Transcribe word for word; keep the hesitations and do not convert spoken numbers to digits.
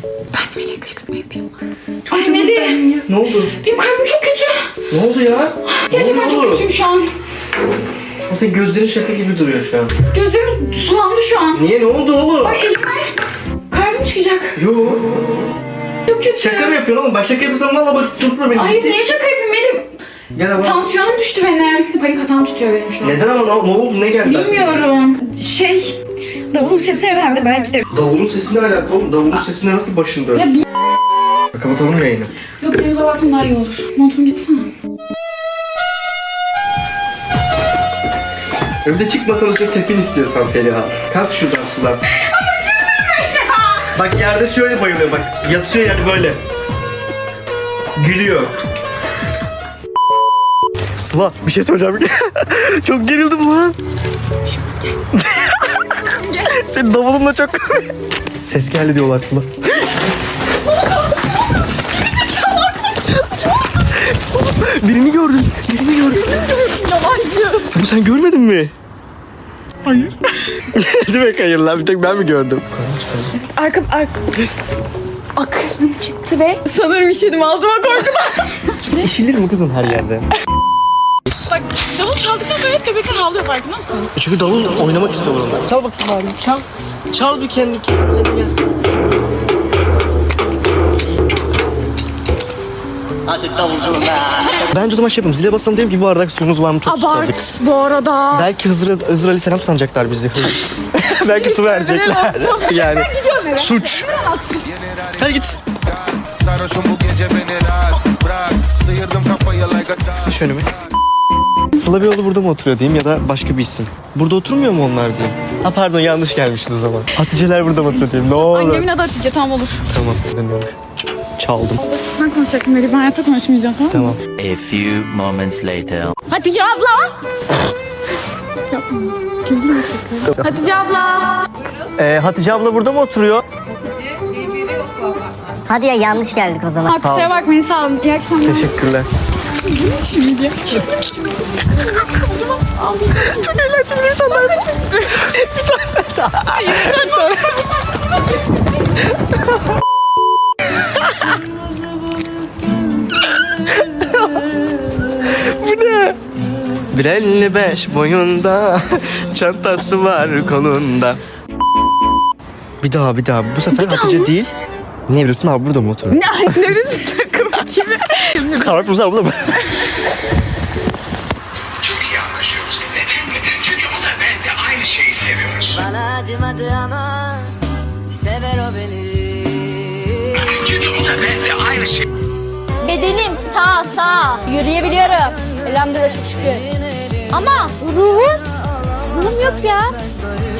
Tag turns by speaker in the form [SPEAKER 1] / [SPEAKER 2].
[SPEAKER 1] Ben de Melih'e kışkırtma yapayım.
[SPEAKER 2] Ay Melih.
[SPEAKER 3] Ne oldu?
[SPEAKER 2] Benim kalbim çok kötü.
[SPEAKER 3] Ne oldu ya?
[SPEAKER 2] Gerçekten çok kötüyüm şu an.
[SPEAKER 3] O senin gözlerin şaka gibi duruyor şu an.
[SPEAKER 2] Gözlerim sulandı şu an.
[SPEAKER 3] Niye, ne oldu oğlum?
[SPEAKER 2] Ay elim ver. Kalbim çıkacak.
[SPEAKER 3] Yo.
[SPEAKER 2] Çok kötü.
[SPEAKER 3] Şaka mı yapıyorsun oğlum? Bak şaka yapıyorsan valla bak sıfır beni.
[SPEAKER 2] Hayır niye şaka yapayım Melih?
[SPEAKER 3] Gel ama.
[SPEAKER 2] Tansiyonum düştü benim. Panik atağım tutuyor benim şu an.
[SPEAKER 3] Neden ama ne, ne oldu, ne geldi?
[SPEAKER 2] Bilmiyorum. Şey, davulun sesi herhalde belki de.
[SPEAKER 3] Davulun sesine alakalı oğlum. Davulun sesine nasıl başın dönsün?
[SPEAKER 2] Ya bir...
[SPEAKER 3] Kapatalım yayını.
[SPEAKER 2] Yok denize baksam daha iyi olur. Montumu gitsene.
[SPEAKER 3] Evde çıkmasanız çok tepkin istiyorsan Feriha. Kalk şuradan sular. Bak yerde şöyle bayılıyor bak. Yatıyor yani böyle. Gülüyor. Sıla bir şey söyleyeceğim. Çok gerildim lan. Senin davulunla çok... Ses geldi diyorlar Sıla. Birini gördüm. Birini gördüm.
[SPEAKER 1] Yalancı.
[SPEAKER 3] Bu sen görmedin mi? Hayır. Ne demek hayır lan? Bir tek ben mi gördüm?
[SPEAKER 1] Arka... arka... Aklım çıktı ve sanırım işedim altıma korkudan.
[SPEAKER 3] İşilir mi kızım her yerde?
[SPEAKER 1] Bak davul çaldıktan sonra hep köpekler ağlıyor farkında mısın?
[SPEAKER 3] Çünkü davul oynamak istiyorum ben. Çal bakayım abi. Çal. Çal bir kendi kendine gelsin. Hadi davulcum be. Bence o zaman şey yapalım. Zile basalım diyelim ki bu bardak suyumuz var mı? Çok susadık.
[SPEAKER 1] Abart bu arada.
[SPEAKER 3] Belki Hızır, Hızır Aleyhisselam sanacaklar bizi. Belki su verecekler. Yani suç. Hadi git. Şöyle mi? Sıla Beyoğlu burada mı oturuyor diyeyim ya da başka bir isim. Burada oturmuyor mu onlar diyeyim. Ha pardon yanlış gelmişiz o zaman. Hatice'ler burada mı oturuyor diyeyim ne olur.
[SPEAKER 1] Annemin adı Hatice tamam olur.
[SPEAKER 3] Tamam dinliyorum. Çaldım.
[SPEAKER 1] Sen konuşacaktın Melih ben hayatta konuşmayacağım tamam mı?
[SPEAKER 3] Tamam.
[SPEAKER 4] A few moments later.
[SPEAKER 1] Hatice abla. Hatice abla.
[SPEAKER 3] Ee, Hatice abla burada mı oturuyor?
[SPEAKER 5] Hadi ya yanlış geldik o zaman.
[SPEAKER 1] Ha, kusura bakmayın sağ olun. İyi akşamlar.
[SPEAKER 3] Teşekkürler.
[SPEAKER 1] Şimdi. Çok eğlenceli bir tane daha içmek istiyorum. Bir tane daha. Hayır bir tane
[SPEAKER 3] Bu ne? Bir elli beş boyunda çantası var kolunda. Bir daha bir daha. Bu sefer Hatice
[SPEAKER 1] mı?
[SPEAKER 3] değil. Ne biliyorsun abi burada mı oturuyor?
[SPEAKER 1] Ne neresi takım kimi?
[SPEAKER 3] Kahve burada mı?
[SPEAKER 6] Çok iyi anlaşıyoruz. Neden mi? Çünkü o da ben de aynı şeyi seviyoruz.
[SPEAKER 5] Bana acımadı ama sever o beni.
[SPEAKER 6] Çünkü o da ben de aynı şey.
[SPEAKER 7] Bedenim sağ sağ yürüyebiliyorum. Elhamdülillah şükür. Ama ruhum, ruhum yok ya.